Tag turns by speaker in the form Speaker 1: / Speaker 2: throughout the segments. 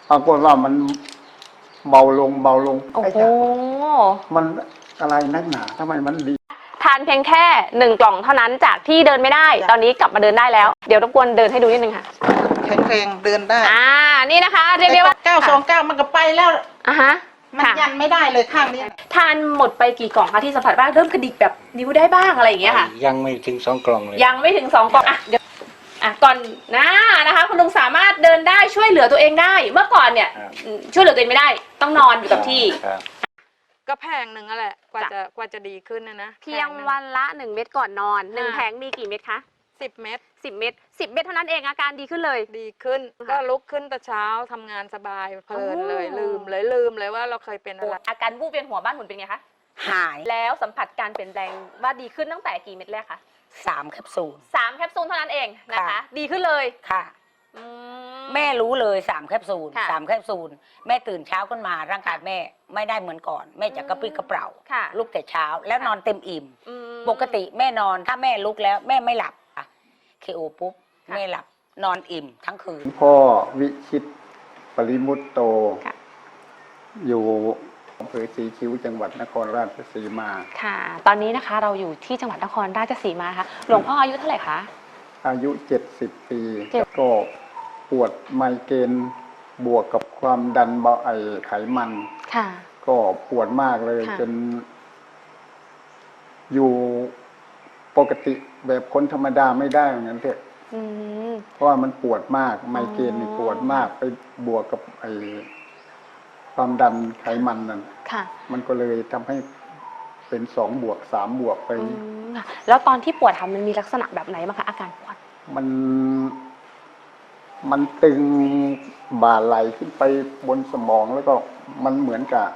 Speaker 1: ปรากฏว่ามันเบาลง
Speaker 2: โอ้โห
Speaker 1: มันอะไรนักหนาทำไมมันดี
Speaker 2: ทานเพียงแค่1 กล่องเท่านั้นจากที่เดินไม่ได้ตอนนี้กลับมาเดินได้แล้วเดี๋ยวรบกวนเดินให้ดูนิดนึงค่ะ
Speaker 3: แข็งแรงเดินได้
Speaker 2: นี่นะคะเรียกได้ว่า
Speaker 3: 929มันก็ไปแล้ว
Speaker 2: ฮะ
Speaker 3: มันยันไม่ได้เลยข้างนี้
Speaker 2: ทานหมดไปกี่กล่องคะที่สัมผัสบ้างเริ่มกระดิกแบบนิ้วได้บ้างอะไรอย่างเงี้ยค่ะ
Speaker 4: ยังไม่ถึง2 กล่องเลย
Speaker 2: ยังไม่ถึง2 กล่องเดี๋ยวก่อนนะคะคุณลุงสามารถเดินได้ช่วยเหลือตัวเองได้เมื่อก่อนเนี่ยช่วยเหลือตัวเองไม่ได้ต้องนอนอยู่กับที่
Speaker 5: ก็แพงหนึ่งนั่นแหละกว่าจะดีขึ้นนะ
Speaker 2: เพียงวันละ1 เม็ดก่อนนอน1 แผงมีกี่เม็ดคะ
Speaker 5: 10 เม็ด
Speaker 2: 10 เม็ด10 เม็ดเท่านั้นเองอาการดีขึ้นเลย
Speaker 5: ดีขึ้นก็ลุกขึ้นแต่เช้าทำงานสบายเพลินเลยลืมเลยว่าเราเคยเป็นอะไร
Speaker 2: อาการวูบเวียนหัวบ้านหมุนเป็นไงคะ
Speaker 6: หาย
Speaker 2: แล้วสัมผัสการเปลี่ยนแปลงว่าดีขึ้นตั้งแต่กี่เม็ดแรกคะ
Speaker 6: 3 แคปซูล
Speaker 2: 3 แคปซูลเท่านั้นเองนะคะดีขึ้นเลย
Speaker 6: ค่ะแม่รู้เลย3 แคปซูล3 แคปซูลแม่ตื่นเช้าขึ้นมาร่างกายแม่ไม่ได้เหมือนก่อนแม่จะกระปรี้กระเปร่าลุกแต่เช้าแล้วนอนเต็มอิ่มปกติแม่นอนถ้าแม่ลุกแล้วแม่ไม่หลับเคโอปุ๊บแม่หลับนอนอิ่มทั้งคืน
Speaker 1: พ่อวิชิตปริมุตโตอยู่อำเภอศรีคิ้วจังหวัดนครราชสีมา
Speaker 2: ค่ะตอนนี้นะคะเราอยู่ที่จังหวัดนครราชสีมาค่ะหลวงพ่ออายุเท่าไหร่คะ
Speaker 1: อายุ70 ปีก็ปวดไมเกรนบวกกับความดันเบาไขมัน
Speaker 2: ค่ะ
Speaker 1: ก็ปวดมากเลยจนอยู่ปกติแบบคนธรรมดาไม่ได้อย่างนั้นเถอะเพราะว่ามันปวดมากไมเกรนนี่ปวดมากไปบวกกับความดันไขมันนั่นมันก็เลยทำให้เป็น2 บวก 3 บวกไป
Speaker 2: แล้วตอนที่ปวดมันมีลักษณะแบบไหนบ้างคะอาการปวด
Speaker 1: มันตึงบ่าไหลขึ้นไปบนสมองแล้วก็มันเหมือนกับ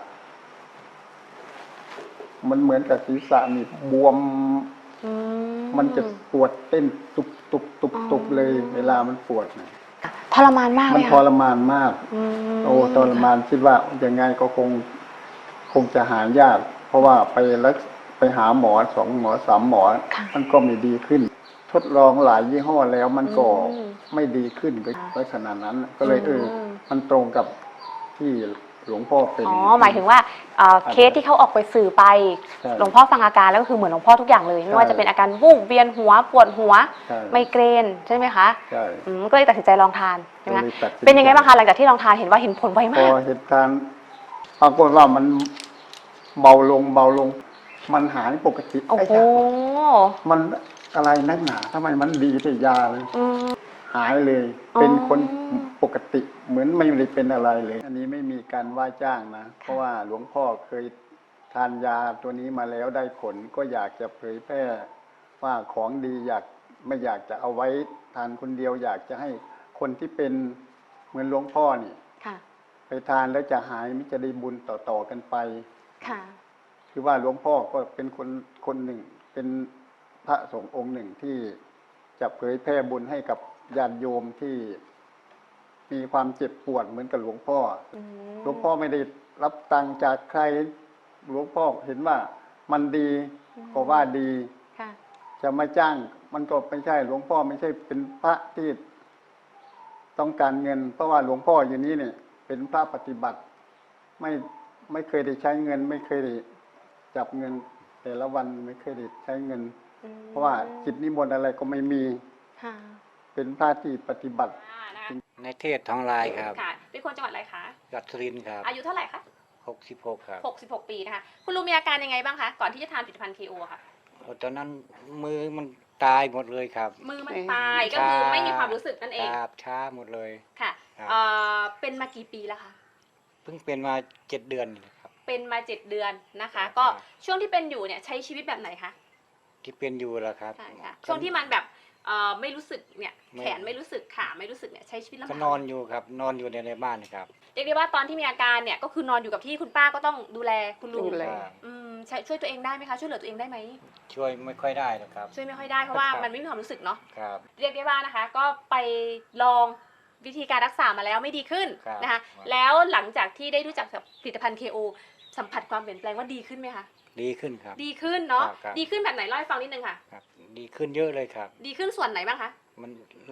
Speaker 1: ศีรษะนี่บวมมันจะปวดเต้นตุบเลยเวลามันปวด
Speaker 2: ทรมานมาก
Speaker 1: มันทรมานมากทรมานคิดว่ายังไงก็คงจะหายากเพราะว่าไปหาหมอ2 หมอ 3 หมอมันก็ไม่ดีขึ้นทดลองหลายยี่ห้อแล้วมันก็ไม่ดีขึ้นไปขนาดนั้นก็เลยมันตรงกับที่หลวงพ่อเป็น
Speaker 2: หมายถึงว่าเคสที่เขาออกไปสื่อไปหลวงพ่อฟังอาการแล้วก็คือเหมือนหลวงพ่อทุกอย่างเลยไม่ว่าจะเป็นอาการวูบเวียนหัวปวดหัวไมเกรนใช่ไหมคะ
Speaker 1: ใช่
Speaker 2: ก็เลยตัดสินใจลองทานใช่ไหมเป็นยังไงบ้างคะหลังจากที่ลองทานเห็นว่าเห็นผลไวมาก
Speaker 1: พอเห็นทานปรากฏว่ามันเบาลงมันหายปกติ
Speaker 2: โอ้โห
Speaker 1: มันอะไรนักหนาทำไมมันดีแต่ยาเลยหายเลยเป็นคนปกติเหมือนไม่ได้เป็นอะไรเลยอันนี้ไม่มีการว่าจ้างนะเพราะว่าหลวงพ่อเคยทานยาตัวนี้มาแล้วได้ผลก็อยากจะเผยแพร่ว่าของดีไม่อยากจะเอาไว้ทานคนเดียวอยากจะให้คนที่เป็นเหมือนหลวงพ่อนี่ไปทานแล้วจะหายมิจะได้บุญต่อกันไปคือว่าหลวงพ่อก็เป็นคนหนึ่งเป็นพระสงฆ์องค์หนึ่งที่จะเผยแพร่บุญให้กับญาติโยมที่มีความเจ็บปวดเหมือนกับหลวงพ่อหลวงพ่อไม่ได้รับตังค์จากใครหลวงพ่อเห็นว่ามันดีก็ว่าดีจะมาจ้างมันก็ไม่ใช่หลวงพ่อไม่ใช่เป็นพระที่ต้องการเงินเพราะว่าหลวงพ่ออยู่นี้เนี่ยเป็นพระปฏิบัติไม่เคยได้ใช้เงินไม่เคยได้จับเงินแต่ละวันไม่เคยได้ใช้เงินเพราะว่าจิตนิมนต์อะไรก็ไม่มีเป็นพระที่ปฏิบัติ
Speaker 4: ในเทศทองลายครับ
Speaker 2: ค่ะเป็นคนจังหวัดอะไรคะ
Speaker 4: จังหวัดสุรินทร์ครับ
Speaker 2: อายุเท่าไหร่คะ
Speaker 4: 66ครับ
Speaker 2: 66 ปีนะคะคุณลุงมีอาการยังไงบ้างคะก่อนที่จะทานผลิตภัณฑ์ KO ค่ะ
Speaker 4: ตอนนั้นมือมันตายหมดเลยครับ
Speaker 2: มือมันตายก็คือไม่มีความรู้สึกนั่นเอง
Speaker 4: ครับช้าหมดเลย
Speaker 2: ค่ะเป็นมากี่ปีแล้วคะ
Speaker 4: เพิ่งเป็นมา7 เดือนครับ
Speaker 2: เป็นมา7 เดือนนะคะก็ช่วงที่เป็นอยู่เนี่ยใช้ชีวิตแบบไหนคะ
Speaker 4: ที่เป็นอยู่แล้วครับ
Speaker 2: ช่วงที่มันแบบไม่รู้สึกเนี่ยแขนไม่รู้สึกขาไม่รู้สึกเนี่ยใช้ชีวิตลำบาก
Speaker 4: ก็นอนอยู่ครับนอนอยู่ในบ้านครับ
Speaker 2: เรียกได้ว่าตอนที่มีอาการเนี่ยก็คือนอนอยู่กับที่คุณป้าก็ต้องดูแลคุณลุงช่วยตัวเองได้ไหมคะช่วยเหลือตัวเองได้ไหม
Speaker 4: ช่วยไม่ค่อยได้นะครับ
Speaker 2: ช่วยไม่ค่อยได้เพราะว่ามันไม่มีความรู้สึกเนาะ
Speaker 4: ครับ
Speaker 2: เรียกได้ว่านะคะก็ไปลองวิธีการรักษามาแล้วไม่ดีขึ้นนะคะแล้วหลังจากที่ได้รู้จักกับผลิตภัณฑ์ KO สัมผัสความเปลี่ยนแปลงว่าดีขึ้นไหมคะ
Speaker 4: ดีขึ้นครับ
Speaker 2: ดีขึ้นเนาะดีขึ้นแบบไหนเล่าให้ฟังนิดนึงค่ะ
Speaker 4: ดีขึ้นเยอะเลยครับ
Speaker 2: ดีขึ้นส่วนไหนบ้างคะ
Speaker 4: มัน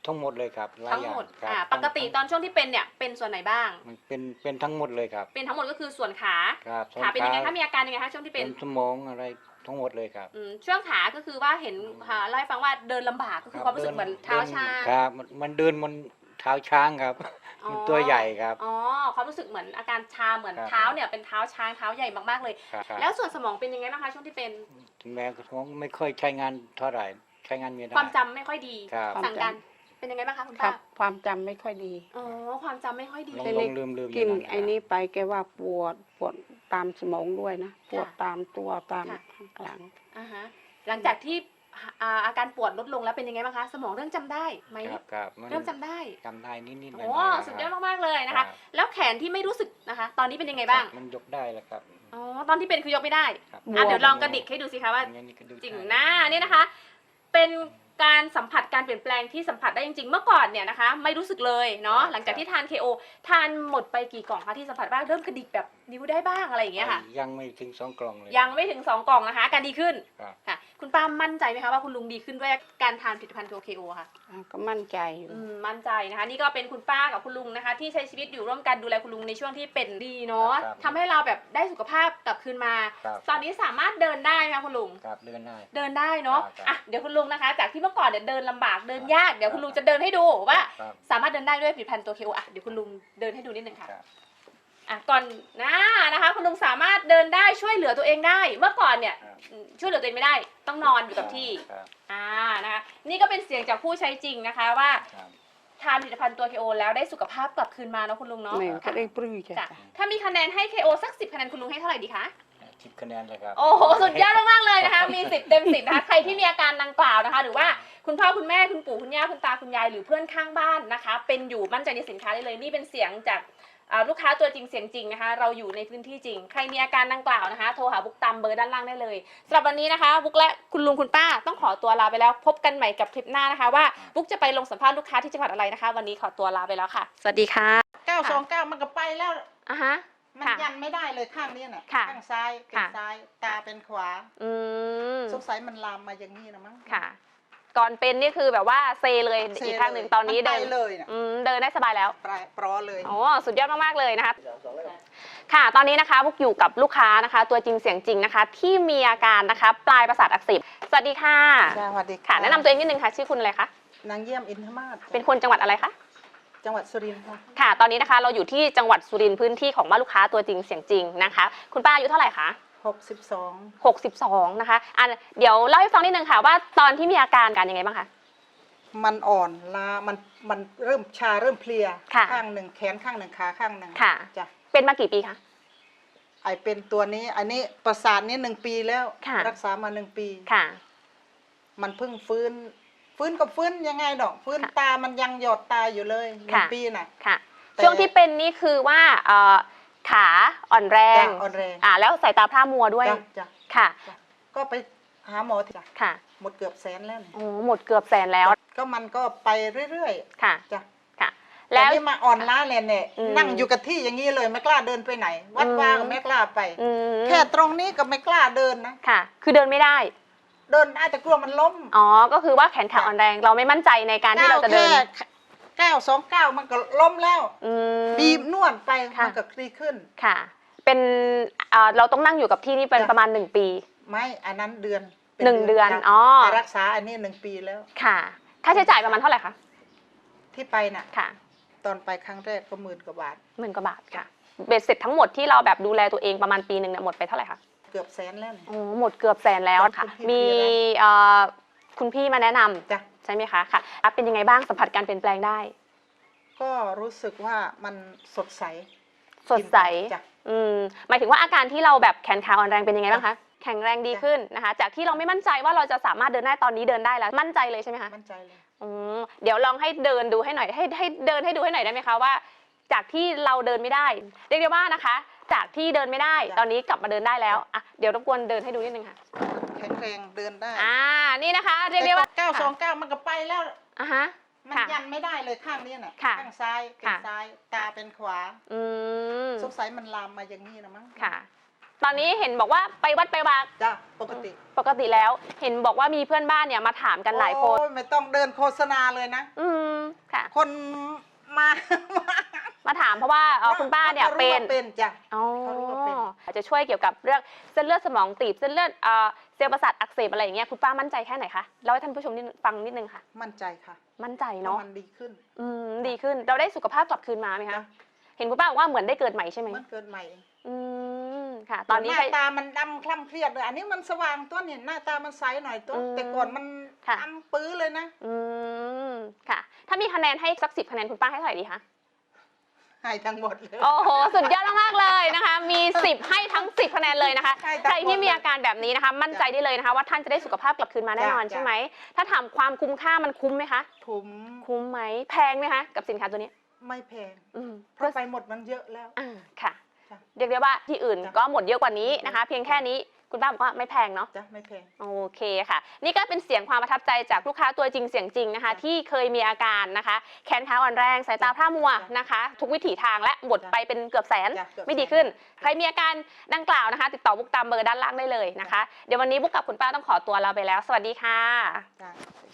Speaker 4: ทั้งหมดเลยครับหลาย
Speaker 2: ทั้ง
Speaker 4: อย่า
Speaker 2: หมด
Speaker 4: ครับ
Speaker 2: ปกติตอนช่วงที่เป็นเนี่ยเป็นส่วนไหนบ้าง
Speaker 4: มันเป็นทั้งหมดเลยครับ
Speaker 2: เป็นทั้งหมดก็คือส่วนขา
Speaker 4: ครับ
Speaker 2: ขาเป็นยังไงคะมีอาการยังไงคะช่วงที่
Speaker 4: เป็
Speaker 2: เป็น
Speaker 4: นสมองอะไรทั้งหมดเลยครับ
Speaker 2: ช่วงขาก็คือว่าเห็นเล่าให้ฟังว่าเดินลำบากก็คือความรู้สึกเหมือนเท้าชา
Speaker 4: ครับมันเดินบนเท้าช้างครับ
Speaker 2: อ๋อ
Speaker 4: มันตัวใหญ่ครับ
Speaker 2: อ๋อความรู้สึกเหมือนอาการชาเหมือน
Speaker 4: ครับ
Speaker 2: เท้าเนี่ยเป็นเท้าช้างเท้าใหญ่มากๆเลย
Speaker 4: ครับ
Speaker 2: แล้วส่วนสมองเป็นยังไงบ้างคะช่วงที่เป็น
Speaker 4: ถึงแม้กระทั่งไม่ค่อยใช้งานเท่าไหร่ใช้งานไม่ได้
Speaker 2: ความจำไม่ค่อยดี
Speaker 4: ครับ
Speaker 2: สั่งการเป็นยังไงบ้างคะคุณ
Speaker 7: ครั
Speaker 2: ป้า
Speaker 7: บความจำไม่ค่อยดี
Speaker 2: อ๋อความจำไม่ค่อยดี
Speaker 4: ลง
Speaker 7: แต่
Speaker 4: ล
Speaker 7: นี่
Speaker 4: งลืมลืม
Speaker 7: กิน
Speaker 4: ย่าง
Speaker 7: ไอ้นี้ไปแกว่าปวดตามสมองด้วยนะ ปวด
Speaker 2: ค่ะ
Speaker 7: ตามตัวตาม
Speaker 2: ค่ะ
Speaker 7: หลัง
Speaker 2: อ่าฮะหลังจากที่อาการปวดลดลงแล้วเป็นยังไงบ้างคะสมองเริ่มจำได้ไหม
Speaker 4: ครับมัน
Speaker 2: เริ่มจำได้
Speaker 4: จำได้นิดๆหน่อย
Speaker 2: โอ้
Speaker 4: ๆ
Speaker 2: สุดยอดมากๆเลยนะคะ แล้วแขนที่ไม่รู้สึกนะคะ ตอนนี้เป็นยังไงบ้าง
Speaker 4: มันยกได้แล้วครับ
Speaker 2: อ๋อตอนที่เป็นคือยกไม่ได้
Speaker 4: ครับ
Speaker 2: เดี๋ยวลองกระดิกให้ดูสิคะว่า
Speaker 4: อย่างนี้ก็ดู
Speaker 2: จริง
Speaker 4: ได้
Speaker 2: หน้าเนี่ยนะคะ เป็นการสัมผัสการเปลี่ยนแปลงที่สัมผัสได้จริงๆ เมื่อก่อนเนี่ยนะคะ ไม่รู้สึกเลยเนาะหลังจากที่ทาน KO ทานหมดไปกี่กล่องคะที่สัมผัสบ้างเริ่มกระดิกแบบนิ้วได้บ้างอะไรอย่างเงี้ยค่ะ
Speaker 4: ยังไม่ถึง2 กล่องเลย
Speaker 2: ยังไม่ถึง 2 กล่องนะคะอาการดีขึ้น
Speaker 4: ครับ
Speaker 2: ค่ะคุณป้ามั่นใจไหมคะว่าคุณลุงดีขึ้นด้วยการทานผลิตภัณฑ์ตัว KO ค่ะ
Speaker 7: ก็มั่นใจอยู่
Speaker 2: มั่นใจนะคะนี่ก็เป็นคุณป้ากับคุณลุงนะคะ ที่ใช้ชีวิตอยู่ร่วมกันดูแลคุณลุงในช่วงที่เป็นดีเนาะ
Speaker 4: ครับ
Speaker 2: ทำให้เราแบบได้สุขภาพกลับคืนมา
Speaker 4: ครับ
Speaker 2: ตอนนี้สามารถเดินได้ไหมคะคุณลุง
Speaker 4: ครับเดินได้
Speaker 2: เดินได้เนาะ
Speaker 4: ครับ
Speaker 2: อ่ะเดี๋ยวคุณลุงนะคะ จากที่เมื่อก่อนเนี่ยเดินลำบากเดินยากเดี๋ยวคุณลุงจะเดินให้ดูว่า
Speaker 4: ครับ
Speaker 2: สามารถเดินได้ด้วยผลิตภัณฑ์ตัว KO อ่ะเดี๋ยวคุณลุงเดินให้ดูนิดนึงค่ะ
Speaker 4: ครับ
Speaker 2: อ่ะก่อนนะคะคุณลุงสามารถเดินได้ช่วยเหลือตัวเองได้ เมื่อก่อนเนี่ย
Speaker 4: ครับ
Speaker 2: ช่วยเหลือตัวเองไม่ได้ต้องนอนอยู่กับที่
Speaker 4: ครับ
Speaker 2: นะคะนี่ก็เป็นเสียงจากผู้ใช้จริงนะคะว่า
Speaker 4: ครับ
Speaker 2: ทานผลิตภัณฑ์ตัว KO แล้วได้สุขภาพกลับคืนมาเนาะคุณลุงเนาะ
Speaker 7: แม่ก็ได้ปลื้มใจ
Speaker 2: จ้ะถ้ามีคะแนนให้ KO สัก10คะแนนคุณลุงให้เท่าไหร่ดีคะ
Speaker 4: 10 คะแนนเลยครับ
Speaker 2: โอ้โหสุดยอดมากๆเลยนะคะมี10 เต็ม 10นะคะใครที่มีอาการดังกล่าวนะคะ หรือว่าคุณพ่อคุณแม่คุณปู่คุณย่าคุณตาคุณยายหรือเพื่อนข้างบ้านนะคะ เป็นอยู่มั่นใจในสินค้าได้เลยนี่เป็นเสียงจากลูกค้าตัวจริงเสียงจริงนะคะเราอยู่ในพื้นที่จริง ใครมีอาการดังกล่าวนะคะโทรหาบุ๊กตามเบอร์ด้านล่างได้เลยสำหรับวันนี้นะคะบุ๊กและคุณลุงคุณป้าต้องขอตัวลาไปแล้วพบกันใหม่กับคลิปหน้านะคะว่าบุ๊กจะไปลงสัมภาษณ์ลูกค้าที่จังหวัดอะไรนะคะ วันนี้ขอตัวลาไปแล้วค่ะ สวัสดีค่ะ
Speaker 3: 929มันก็ไปแล้ว
Speaker 2: อ่ะฮะ
Speaker 3: มัน
Speaker 2: ค่ะ
Speaker 3: ยันไม่ได้เลยข้างนี้น่ะ
Speaker 2: ค่ะ
Speaker 3: ข้างซ้ายเป็น
Speaker 2: ค่ะ
Speaker 3: ซ้าย ตาเป็นขวา
Speaker 2: อืม
Speaker 3: สงสัยมันลามมาอย่างนี้นะมั้ง
Speaker 2: ค่ะ ก่อนเป็นนี่คือแบบว่าเซเลย
Speaker 3: เซ
Speaker 2: อีกข้างหนึ่งตอนนี้
Speaker 3: มั
Speaker 2: เดิ
Speaker 3: ไป
Speaker 2: น
Speaker 3: เลยน่ะ
Speaker 2: เดินได้สบายแล้ว
Speaker 3: ปลอเลย
Speaker 2: โอ้สุดยอดมากๆเลยนะคะ ค่ะ ตอนนี้นะคะพวกอยู่กับลูกค้านะคะ ตัวจริงเสียงจริงนะคะ ที่มีอาการนะคะปลายประสาทอักเสบสวัสดีค่ะ
Speaker 3: สวัสดี
Speaker 2: ค่ะแนะนำตัวเองนิดนึงค่ะชื่อคุณอะไรคะ
Speaker 3: นางเยี่ยมอินทมาศ
Speaker 2: เป็นคนจังหวัดอะไรคะ
Speaker 3: จังหวัดสุรินทร์ค่ะ
Speaker 2: ค่ะ ตอนนี้นะคะเราอยู่ที่จังหวัดสุรินทร์พื้นที่ของบ้านลูกค้าตัวจริงเสียงจริงนะคะ คุณป้าอายุเท่าไหร่คะ
Speaker 3: 62
Speaker 2: 62นะคะเดี๋ยวเล่าให้ฟังนิดนึงค่ะว่าตอนที่มีอาการยังไงบ้างคะ
Speaker 3: มันอ่อนล้ามันเริ่มชาเริ่มเพลีย
Speaker 2: ค่ะ
Speaker 3: ข้างหนึ่งแขนข้างหนึ่งขาข้างหนึ่ง
Speaker 2: ค่ะ
Speaker 3: จ้ะ
Speaker 2: เป็นมากี่ปีคะ
Speaker 3: ไอเป็นตัวนี้อันนี้ประสาทนี้1 ปีแล้ว
Speaker 2: ค่ะ
Speaker 3: รักษามา1 ปี
Speaker 2: ค่ะ
Speaker 3: มันเพิ่งฟื้นก็ฟื้นยังไงดอกฟื้น
Speaker 2: ค่ะ
Speaker 3: ตามันยังหยอดตาอยู่เลย
Speaker 2: ค่ะ
Speaker 3: 1 ปีน่ะ
Speaker 2: ค่ะ
Speaker 3: แต่
Speaker 2: ช่วงที่เป็นนี่คือว่าขาอ่อนแรง
Speaker 3: จ้ะอ่อนแรง
Speaker 2: แล้วสายตาพร่ามัวด้วย
Speaker 3: จ้ะจ้ะ
Speaker 2: ค่ะ
Speaker 3: ก็ไปหาหมอจ้ะ
Speaker 2: ค่ะ
Speaker 3: หมดเกือบแสนแล้วนี่
Speaker 2: โอ้หมดเกือบแสนแล้ว
Speaker 3: ก็มันก็ไปเรื่อย
Speaker 2: ค่ะ
Speaker 3: ๆจ้ะ
Speaker 2: ค่ะ
Speaker 3: แล้
Speaker 2: แล้ว ว
Speaker 3: นี่มาอ่อนล้าเลยเนี่ย
Speaker 2: อืม
Speaker 3: นั่งอยู่กับที่อย่างนี้เลยไม่กล้าเดินไปไหน วัดวาก็ไม่กล้าไป
Speaker 2: อืม
Speaker 3: แค่ตรงนี้ก็ไม่กล้าเดินนะ
Speaker 2: ค่ะ คือเดินไม่ได้
Speaker 3: เดินได้แต่กลัวมันล้ม
Speaker 2: อ๋อ ก็คือว่าแขนขาอ่อนแรง เราไม่มั่นใจในการที่เราจะเดิน
Speaker 3: แค่929มันก็ล้มแล้ว
Speaker 2: อืม
Speaker 3: บีบนวดไป
Speaker 2: ค่ะ
Speaker 3: มันก็คลี่ขึ้น
Speaker 2: ค่ะ เป็นเราต้องนั่งอยู่กับที่นี่เป็น
Speaker 3: จ้ะ
Speaker 2: ประมาณ1 ปี
Speaker 3: ไม่อันนั้นเดือนป็
Speaker 2: 1 เดือน
Speaker 3: จ้ะ
Speaker 2: อ๋อ
Speaker 3: แต่รักษาอันนี้1 ปีแล้ว
Speaker 2: ค่ะ ค่าใช้จ่ายประมาณเท่าไหร่คะ
Speaker 3: ที่ไปน่ะ
Speaker 2: ค่ะ
Speaker 3: ตอนไปครั้งแรกก็10,000 กว่าบาท
Speaker 2: 10,000 กว่าบาทค่ะ เบ็ดเสร็จทั้งหมดที่เราแบบดูแลตัวเองประมาณปีหนึ่งเนี่ยหมดไปเท่าไหร่คะ
Speaker 3: เกือบแสนแล้วเนี่ย
Speaker 2: โอ้หมดเกือบแสนแล้วค่ะ
Speaker 3: คุณพี่
Speaker 2: มีคุณพี่มาแนะนำ
Speaker 3: จ้ะ
Speaker 2: ใช่ไหมคะค่ะเป็นยังไงบ้างสัมผัสการเปลี่ยนแปลงได้
Speaker 3: ก็รู้สึกว่ามันสดใส
Speaker 2: สดใส
Speaker 3: จ้ะ
Speaker 2: หมายถึงว่าอาการที่เราแบบแขนขาอ่อนแรงเป็นยังไงบ้างคะแข็งแรงดี
Speaker 3: จ้ะ
Speaker 2: ขึ้นนะคะ จากที่เราไม่มั่นใจว่าเราจะสามารถเดินได้ตอนนี้เดินได้แล้วมั่นใจเลยใช่ไหมคะ
Speaker 3: มั่นใจเลย
Speaker 2: เดี๋ยวลองให้เดินดูให้หน่อยให้เดินให้ดูให้หน่อยได้ไหมคะว่า จากที่เราเดินไม่ได้เรียกได้ว่านะคะ จากที่เดินไม่ได้
Speaker 3: จ้ะ
Speaker 2: ตอนนี้กลับมาเดินได้แล้วอ่ะเดี๋ยวรบกวนเดินให้ดูนิดนึงค่ะ
Speaker 3: แข็งแรงเดินได้
Speaker 2: นี่นะคะเรียกได้ว่า
Speaker 3: แต่929มันก็ไปแล้ว
Speaker 2: อ่ะฮะ
Speaker 3: มัน
Speaker 2: ค่ะ
Speaker 3: ยันไม่ได้เลยข้างนี้น่ะ
Speaker 2: ค่ะ
Speaker 3: ข้างซ้ายเป็น
Speaker 2: ค่ะ
Speaker 3: ซ้าย ตาเป็นขวา
Speaker 2: อืม
Speaker 3: สงสัยมันลามมาอย่างนี้นะมั้ง
Speaker 2: ค่ะตอนนี้เห็นบอกว่าไปวัดไปวา
Speaker 3: จ้ะปกติ
Speaker 2: ปกติแล้ว เห็นบอกว่ามีเพื่อนบ้านเนี่ยมาถามกันหลายคน
Speaker 3: โอ้ไม่ต้องเดินโฆษณาเลยนะ
Speaker 2: ค่ะ
Speaker 3: คนมา
Speaker 2: มาถามเพราะว่าคุณป้าเนี่ย
Speaker 3: ขา
Speaker 2: เป็
Speaker 3: รู้
Speaker 2: น
Speaker 3: ว่าเป็นจ้ะ
Speaker 2: อ๋อ
Speaker 3: เขารู้ว่าเป็น
Speaker 2: อาจจะช่วยเกี่ยวกับเรื่องเส้นเลือดสมองตีบเส้นเลือดเซลล์ประสาทอักเสบอะไรอย่างเงี้ยคุณป้ามั่นใจแค่ไหนคะเล่าให้ท่านผู้ชมฟังนิดนึงค่ะ
Speaker 3: มั่นใจค่ะ
Speaker 2: มั่นใจ
Speaker 3: เพราะ
Speaker 2: เนาะ
Speaker 3: มันดีขึ้น
Speaker 2: ดีขึ้นเราได้สุขภาพกลับคืนมาไหมคะ
Speaker 3: จ้ะ
Speaker 2: เห็นคุณป้าบอกว่าเหมือนได้เกิดใหม่ใช่ไหม
Speaker 3: มันเกิดใหม่เอง
Speaker 2: ค่ะ ตอนนี้
Speaker 3: หน้าตามันดำคล้ำเครียดเลยอันนี้มันสว่างตัวเนี่ยหน้าตามันใสหน่อยตัวแต่ก่อนมัน
Speaker 2: ค่ะ
Speaker 3: ดำปื้อเลยนะ
Speaker 2: ค่ะ ถ้ามีคะแนนให้สัก10 คะแนนคุณป้าให้เท่าไหร่ดีคะ
Speaker 3: ให้ทั้งหมดเลย
Speaker 2: โอ้โห สุดยอดมากๆเลยนะคะ มี 10 ให้ทั้ง 10 คะแนนเลยนะคะ
Speaker 3: ให้ทั้งหมด
Speaker 2: ใครที่มีอาการแบบนี้นะคะ มั่นใจได้เลยนะคะ ว่าท่านจะได้สุขภาพกลับคืนมาแน่นอน
Speaker 3: จ้ะ
Speaker 2: ใช่ไหม ถ้าถามความคุ้มค่ามันคุ้มไหมคะ
Speaker 3: ถุม
Speaker 2: คุ้มไหม แพงไหมคะ กับสินค้าตัวนี้
Speaker 3: ไม่แพง
Speaker 2: อืม
Speaker 3: เพราะไปหมดมันเยอะแล้ว
Speaker 2: ค่ะ
Speaker 3: จ้ะ
Speaker 2: เรียกได้ว่าที่อื่น
Speaker 3: จ้ะ
Speaker 2: ก็หมดเยอะกว่านี้นะคะ เพียงแค่นี้คุณป้าบอกว่าไม่แพงเนาะ
Speaker 3: จ้ะไม่แพง
Speaker 2: โอเคค่ะ นี่ก็เป็นเสียงความประทับใจจากลูกค้าตัวจริงเสียงจริงนะคะ
Speaker 3: จ้ะ
Speaker 2: ที่เคยมีอาการนะคะ แขนขาอ่อนแรงสายตาพร่ามัว
Speaker 3: จ้ะ
Speaker 2: นะคะ ทุกวิถีทางและหมด
Speaker 3: จ้ะ
Speaker 2: ไปเป็นเกือบแสน
Speaker 3: จ้ะเกือบ
Speaker 2: ไม่ดี
Speaker 3: แสน
Speaker 2: ขึ้น ใครมีอาการดังกล่าวนะคะ ติดต่อบุ๊กตามเบอร์ด้านล่างได้เลยนะคะ เดี๋ยววันนี้บุ๊กกับคุณป้าต้องขอตัวลาไปแล้ว สวัสดีค่ะ
Speaker 3: จ้ะ